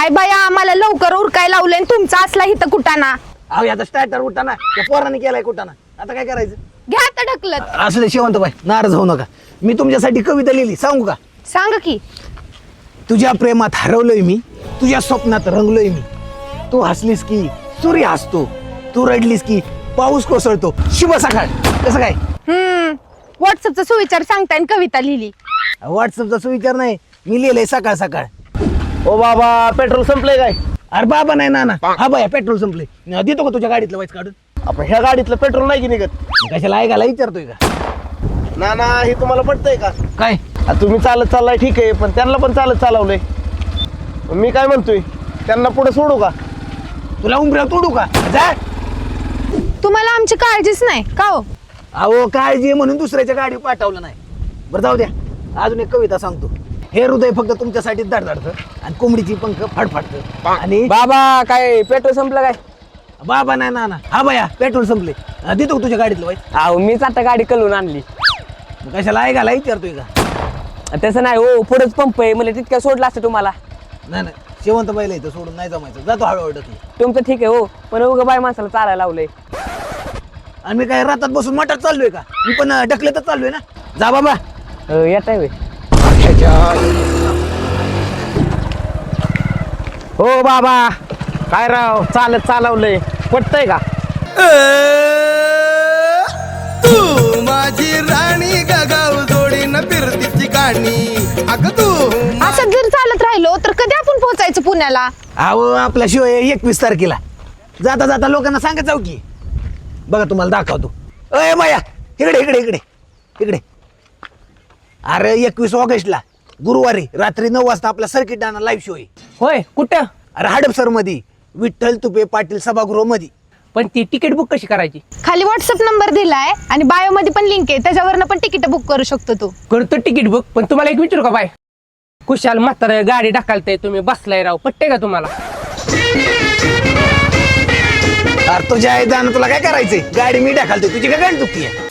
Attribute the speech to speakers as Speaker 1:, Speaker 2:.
Speaker 1: काय बाया आम्हाला लवकर उरकाय लावलंय आणि तुमचा असला इथं कुटाणा.
Speaker 2: अहो आता स्टार्टर उठाना त्या पोराने केलाय कुठाना, आता काय करायचं?
Speaker 1: घ्या आता ढकलत.
Speaker 2: असले शेवंत बाई नाराज होऊ नका. मी तुमच्यासाठी कविता लिहिली, सांगू का?
Speaker 1: सांग की.
Speaker 2: तुझ्या प्रेमात हरवलोय मी, तुझ्या स्वप्नात रंगलोय मी. तू हसलीस की सूर्य हसतो, तू रडलीस की पाऊस कोसळतो. शुभ सकाळ. कसं काय?
Speaker 1: व्हॉट्सअपचा सुविचार सांगताय आणि कविता लिहिली.
Speaker 2: व्हॉट्सअपचा सुविचार नाही, मी लिहिलंय सकाळ सकाळ.
Speaker 3: ओ बाबा पेट्रोल संपलंय काय?
Speaker 2: अरे बाबा नाही नाना, हा बाया पेट्रोल संपले. देतो का तुझ्या गाडीतलं वाईच काढून?
Speaker 3: आपण ह्या गाडीतलं पेट्रोल नाही की निघत?
Speaker 2: कशाला ऐकायला विचारतोय का?
Speaker 3: ना ना हे तुम्हाला पटतंय का?
Speaker 2: काय
Speaker 3: तुम्ही चालत चाललाय ठीक आहे, पण त्यांना पण चालत चालवलंय. मी काय म्हणतोय, त्यांना पुढे सोडू का?
Speaker 2: तुला उमऱ्या तोडू का? जा.
Speaker 1: तुम्हाला आमची काळजीच नाही का हो?
Speaker 2: अहो काळजी आहे म्हणून दुसऱ्याच्या गाडी पाठवलं नाही. बरं जाऊ द्या, अजून एक कविता सांगतो. हे हृदय फक्त तुमच्यासाठी धडधडतं आणि कोंबडीची पंख फडफडतं. आणि
Speaker 4: बाबा काय पेट्रोल संपलं काय?
Speaker 2: बाबा नाही नाना, हा बाया पेट्रोल संपले. देतो का तुझ्या गाडीतलं वाईच?
Speaker 4: अहो मीच आता गाडी कलवून आणली.
Speaker 2: कशाला ऐकायला विचारतोय का?
Speaker 4: तसं नाही हो, पुढेच पंप आहे, मला तितक्या सोडला असतं तुम्हाला.
Speaker 2: नाही नाही, शेवंत बैल इथं सोडून नाही जमायचं. जातो हळूहळू ढकली.
Speaker 4: तुमचं ठीक आहे हो, पण उगा बाय माणसाला चालायला लावलंय.
Speaker 2: आणि मी काय रातात बसून मठात चाललोय का? मी पण ढकलतच चाललोय ना. जा बाबा.
Speaker 4: येत आहे.
Speaker 3: हो बाबा काय राव चालत चालवलंय, पटतंय का?
Speaker 5: तू माझी राणी गागाव जोडीन फिरतीची गाणी. अग तू
Speaker 1: असं जर चालत राहिलो तर कधी आपण पोहोचायचं पुण्याला?
Speaker 2: अहो आपला शिव 21 तारखेला. जाता जाता लोकांना सांगत जाऊ की. बघा तुम्हाला दाखवतो. अय माया इकडे इकडे इकडे इकडे. अरे 21 ऑगस्टला गुरुवारी रात्री 9 वाजता आपला सर्किट डाना लाईव्ह शो आहे.
Speaker 4: होय कुठं?
Speaker 2: अरे हडपसर मध्ये विठ्ठल तुपे पाटील सभागृह मध्ये.
Speaker 4: पण ती तिकीट बुक कशी करायची?
Speaker 1: खाली व्हॉट्सअप नंबर दिलाय आणि बायो मध्ये पण लिंक आहे, त्याच्यावरनं पण तिकीट बुक करू शकतो तू.
Speaker 4: करतो तिकीट बुक. पण तुम्हाला एक विचारू का बाय, कुशाल म्हातार गाडी ढकलताय, तुम्ही बसलाय राव, पटते का तुम्हाला?
Speaker 2: अरे तुझ्या आई जाणं तुला काय करायचंय? गाडी मी ढकलतोय, तुझी काय गाडी चुकी आहे?